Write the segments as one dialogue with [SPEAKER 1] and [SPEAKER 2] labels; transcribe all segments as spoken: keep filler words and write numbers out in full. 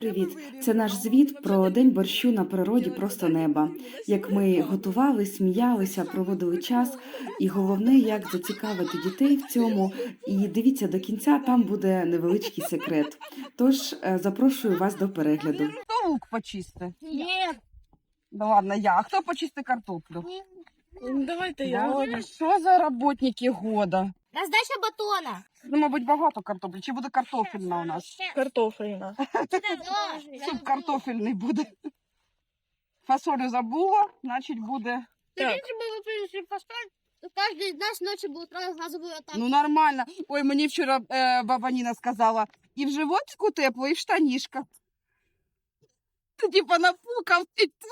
[SPEAKER 1] Привіт! Це наш звіт про день борщу на природі просто неба. Як ми готували, сміялися, проводили час, і головне, як зацікавити дітей в цьому. І дивіться до кінця, там буде невеличкий секрет. Тож е, запрошую вас до перегляду.
[SPEAKER 2] Хто лук почисти?
[SPEAKER 3] Нет.
[SPEAKER 2] Ну ладно, я. А хто почисти картоплю?
[SPEAKER 3] Давайте
[SPEAKER 2] Боже, що за роботники года?
[SPEAKER 3] Раздача батона.
[SPEAKER 2] Ну, мабуть, багато картоплі. Чи буде картофельна у нас?
[SPEAKER 3] Картофельна.
[SPEAKER 2] Суп картофельний буде. Фасолю забула, значить буде.
[SPEAKER 3] Так. Если бы вы принесли фасоль, то каждый из нас ночью будет газовую атаку.
[SPEAKER 2] Ну нормально. Ой, мені вчора е, баба Ніна сказала, і в животику тепло, і в штанішках. Ти типа напукав.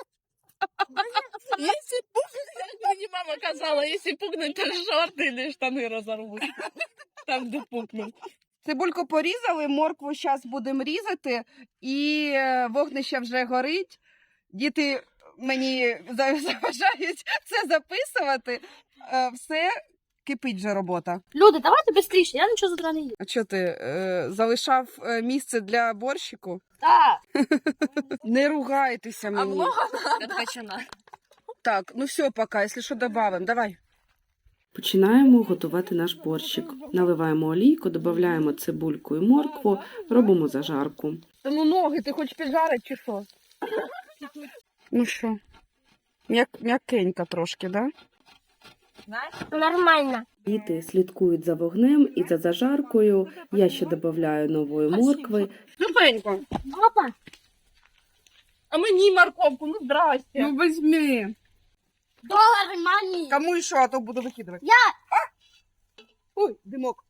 [SPEAKER 3] Если пукнуть, мне мама казала, если пукнуть, то шорты или штаны разорвут. Там, де пукнуть.
[SPEAKER 2] Цибульку порізали, моркву зараз будемо різати, і е, вогнище вже горить. Діти мені за- заважають це записувати. Е, Все, кипить вже робота.
[SPEAKER 3] Люди, давайте быстрее, я ничего з утра не їм.
[SPEAKER 2] А що ти, е, залишав е, місце для борщику?
[SPEAKER 3] Так.
[SPEAKER 2] Не ругайтеся мені.
[SPEAKER 3] Відпочина.
[SPEAKER 2] Так, ну все пока, якщо що, додамо. Давай.
[SPEAKER 1] Починаємо готувати наш борщик. Наливаємо олійку, додаємо цибульку і моркву, робимо зажарку.
[SPEAKER 2] Та ну ноги, ти хочеш піджарити чи що? Ну що, м'як, м'якенько трошки, да?
[SPEAKER 3] Нормально.
[SPEAKER 1] Діти слідкують за вогнем і за зажаркою. Я ще додаю нової моркви.
[SPEAKER 2] Тупенько.
[SPEAKER 3] Папа.
[SPEAKER 4] А мені морковку, ну здрасте.
[SPEAKER 2] Ну візьми.
[SPEAKER 3] Доллар мани.
[SPEAKER 2] Кому і що, а то буду викидувати.
[SPEAKER 3] Я.
[SPEAKER 2] А! Ой, димок.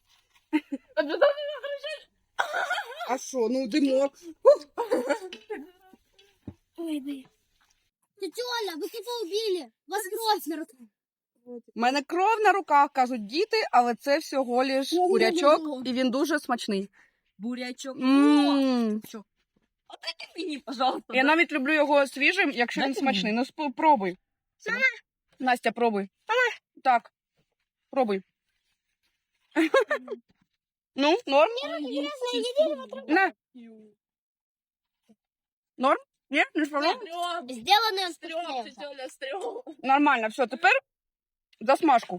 [SPEAKER 2] А що, ну димок.
[SPEAKER 3] Ой, блин. Тетя Оля, вы кого убили? Вас кровь на руках.
[SPEAKER 2] У мене кров на руках, кажуть діти, але це всього лиш
[SPEAKER 3] Ну,
[SPEAKER 2] бурячок,
[SPEAKER 3] ну, ну.
[SPEAKER 2] і він дуже смачний.
[SPEAKER 4] Бурячок.
[SPEAKER 2] М.
[SPEAKER 4] Отдайте мені, пожалуйста.
[SPEAKER 2] Я навіть люблю його свіжим, якщо він
[SPEAKER 4] Дайте
[SPEAKER 2] смачний. Ну спробуй. Настя, пробуй. Так, пробуй. Ну, норм? На. Норм? Ні? Не спробував?
[SPEAKER 3] Сделанный он
[SPEAKER 4] Стрём,
[SPEAKER 3] вкуснее.
[SPEAKER 4] тетя Оля, стрём.
[SPEAKER 2] Нормально, все, тепер засмажку.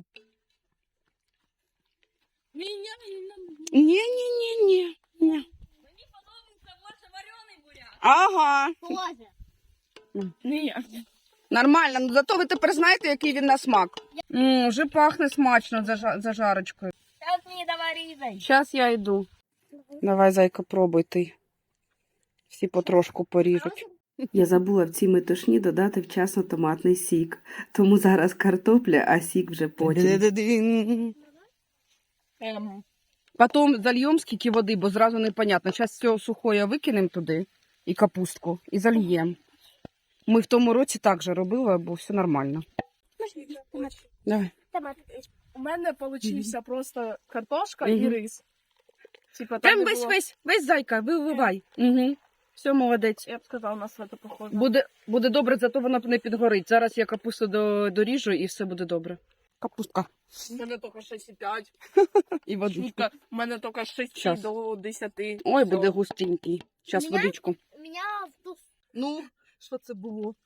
[SPEAKER 4] Меня не надо.
[SPEAKER 2] Ні-ні-ні-ні.
[SPEAKER 4] Мені подобається більше варений буряк.
[SPEAKER 2] Ага.
[SPEAKER 3] Тоже.
[SPEAKER 4] Ні.
[SPEAKER 2] Нормально, ну зато ви тепер знаєте, який він на смак. М, вже пахне смачно зажа- зажарочкою.
[SPEAKER 3] Сейчас не доварили.
[SPEAKER 2] Зараз я йду. Давай, зайка, пробуй ти. Всі потрошку поріжуть.
[SPEAKER 1] Я забула в цій метушні додати вчасно томатний сік. Тому зараз картопля, а сік вже потім.
[SPEAKER 4] Ем,
[SPEAKER 2] Потім зальємо скільки води, бо зразу непонятно. Зараз все сухое викинемо туди і капустку, і зальємо. Ми в тому році так же робили, бо все нормально. Давай.
[SPEAKER 3] Томат.
[SPEAKER 4] у мене получився просто картошка
[SPEAKER 2] Мгм.
[SPEAKER 4] і рис. Типа,
[SPEAKER 2] Прям
[SPEAKER 4] так
[SPEAKER 2] весь,
[SPEAKER 4] було,
[SPEAKER 2] весь, весь зайка, виливай. Угу. Все, молодець.
[SPEAKER 4] я б сказала, на це похоже.
[SPEAKER 2] Буде, буде добре, зато вона не підгорить. Зараз я капусту до, доріжу і все буде добре. Капустка.
[SPEAKER 4] У мене тільки шість і п'ять.
[SPEAKER 2] І водичку.
[SPEAKER 4] Шутка, у мене тільки з шести
[SPEAKER 2] Щас.
[SPEAKER 4] до десяти.
[SPEAKER 2] Ой,
[SPEAKER 4] Всё.
[SPEAKER 2] буде густенький. Зараз
[SPEAKER 3] Мене?
[SPEAKER 2] водичку.
[SPEAKER 3] У меня в ту...
[SPEAKER 4] Ну, що це було?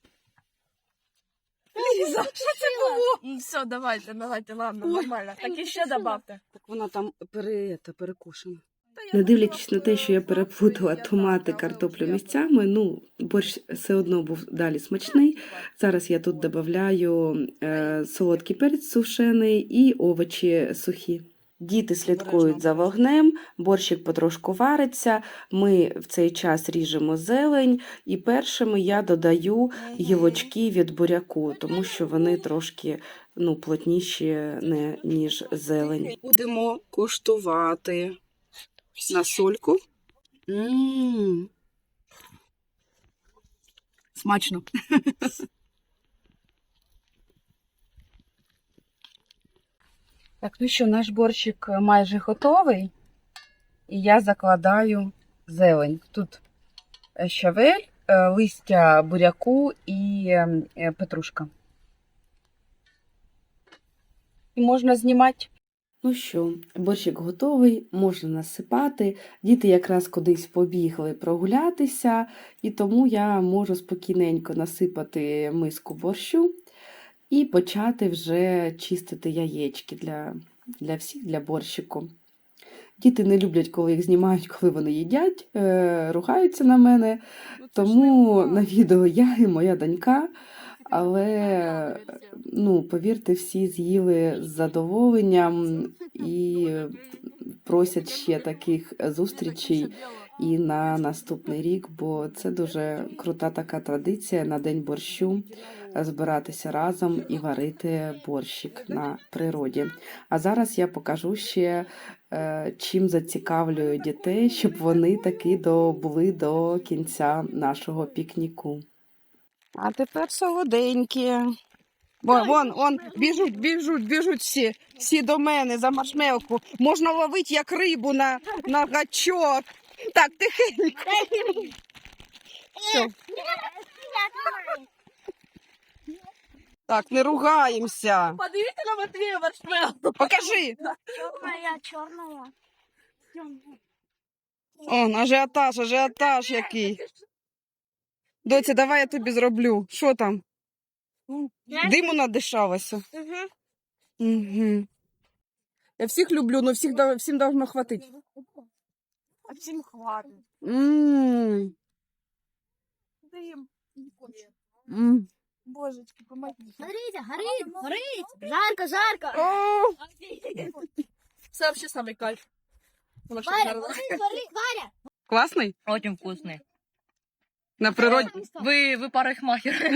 [SPEAKER 3] Лиза, что это было?
[SPEAKER 4] Ну, все, давайте, давайте, ладно,
[SPEAKER 2] Ой.
[SPEAKER 4] нормально. Так і ще добавте.
[SPEAKER 2] Так вона там пере, та, перекушена.
[SPEAKER 1] Не дивлячись на те, що я переплутала томати, картоплю місцями, ну, борщ все одно був далі смачний. Зараз я тут додаю е, солодкий перець сушений і овочі сухі. Діти слідкують за вогнем, борщик потрошку вариться, ми в цей час ріжемо зелень, і першими я додаю гілочки від буряку, тому що вони трошки ну, плотніші, не, ніж зелень.
[SPEAKER 2] Будемо куштувати на сольку. М. Смачно. Так, ну що, наш борщик майже готовий. І я закладаю зелень. Тут щавель, е, листя буряку і е, петрушка. І можна знімати.
[SPEAKER 1] Ну що, борщик готовий, можна насипати. Діти якраз кудись побігли прогулятися, і тому я можу спокійненько насипати миску борщу і почати вже чистити яєчки для, для всіх, для борщику. Діти не люблять, коли їх знімають, коли вони їдять, е, ругаються на мене, тому на відео я і моя донька. Але, ну, повірте, всі з'їли з задоволенням і просять ще таких зустрічей і на наступний рік, бо це дуже крута така традиція на День борщу збиратися разом і варити борщик на природі. А зараз я покажу ще, е, чим зацікавлюю дітей, щоб вони таки добули до кінця нашого пікніку.
[SPEAKER 2] А тепер солоденькі. Вон, вон, вон, біжуть, біжуть, біжуть всі, всі до мене за маршмелку. Можна ловити як рибу на, на гачок. Так, тихенько. Все. Так, не ругаємося.
[SPEAKER 3] Подивіться на Матвія маршмеллоу.
[SPEAKER 2] Покажи.
[SPEAKER 5] Черная, черная.
[SPEAKER 2] Он, ажіотаж, ажіотаж який. Доця, давай я тобі зроблю. Що там? Диму надишалося. Угу. Я всіх люблю, але всіх, да- всім должно хватити.
[SPEAKER 5] А всем хватит.
[SPEAKER 2] М.
[SPEAKER 5] Дым.
[SPEAKER 2] М.
[SPEAKER 5] Божечки, помогите. Смотрите, горит, горит. Жарко, жарко.
[SPEAKER 2] О,
[SPEAKER 3] Це взагалі самий кайф. Воно ще
[SPEAKER 5] Варя,
[SPEAKER 3] зараз-
[SPEAKER 5] горит, горит, Варя.
[SPEAKER 2] класний?
[SPEAKER 3] Очень вкусний.
[SPEAKER 2] На природі.
[SPEAKER 3] Ви, ви парикмахер.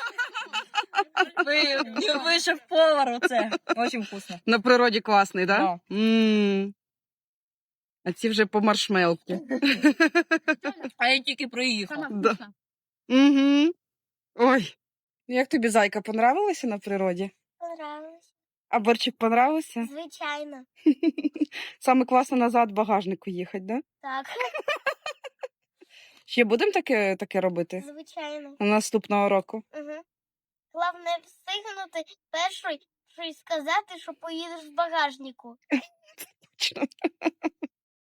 [SPEAKER 3] Ви, ви шеф-повар оце. Очень вкусно.
[SPEAKER 2] На природі класний, так? Да? М. А ці вже по маршмелки.
[SPEAKER 3] А я тільки приїхав.
[SPEAKER 2] Да. Угу. Ой. Як тобі, зайка, понравилося на природі?
[SPEAKER 5] Понравилось.
[SPEAKER 2] А борчик понравився?
[SPEAKER 5] Звичайно.
[SPEAKER 2] Саме класно назад в багажнику їхати, да?
[SPEAKER 5] Так,
[SPEAKER 2] Ще будемо таке, таке робити?
[SPEAKER 5] звичайно.
[SPEAKER 2] Наступного року.
[SPEAKER 5] Угу. Головне встигнути першою, що й сказати, що поїдеш в багажнику.